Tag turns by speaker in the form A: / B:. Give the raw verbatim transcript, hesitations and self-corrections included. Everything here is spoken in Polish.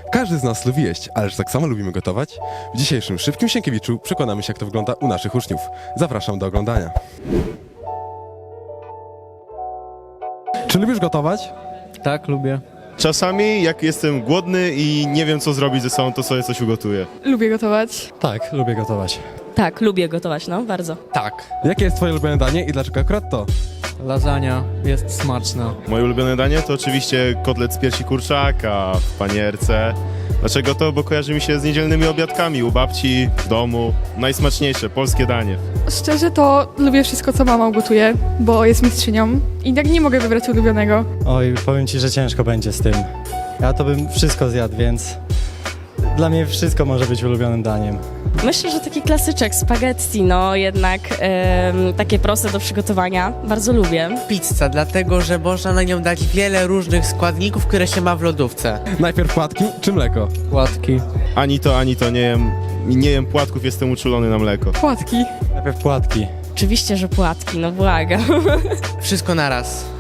A: Każdy z nas lubi jeść, ależ tak samo lubimy gotować? W dzisiejszym Szybkim Sienkiewiczu przekonamy się, jak to wygląda u naszych uczniów. Zapraszam do oglądania. Czy lubisz gotować?
B: Tak, lubię.
C: Czasami jak jestem głodny i nie wiem co zrobić ze sobą, to sobie coś ugotuję.
D: Lubię gotować.
B: Tak, lubię gotować.
E: Tak, lubię gotować, no, bardzo.
B: Tak.
A: Jakie jest twoje ulubione danie i dlaczego akurat to?
B: Lasagna jest smaczna.
C: Moje ulubione danie to oczywiście kotlet z piersi kurczaka w panierce. Dlaczego to? Bo kojarzy mi się z niedzielnymi obiadkami u babci, w domu. Najsmaczniejsze, polskie danie.
D: Szczerze to lubię wszystko, co mama gotuje, bo jest mistrzynią i tak nie mogę wybrać ulubionego.
F: Oj, powiem ci, że ciężko będzie z tym. Ja to bym wszystko zjadł, więc dla mnie wszystko może być ulubionym daniem.
E: Myślę, że taki klasyczek spaghetti, no jednak em, takie proste do przygotowania. Bardzo lubię.
G: Pizza, dlatego że można na nią dać wiele różnych składników, które się ma w lodówce.
A: Najpierw płatki czy mleko?
B: Płatki.
C: Ani to, ani to nie jem. Nie jem płatków, jestem uczulony na mleko.
D: Płatki.
F: Najpierw płatki.
E: Oczywiście, że płatki, no błagam.
G: Wszystko naraz.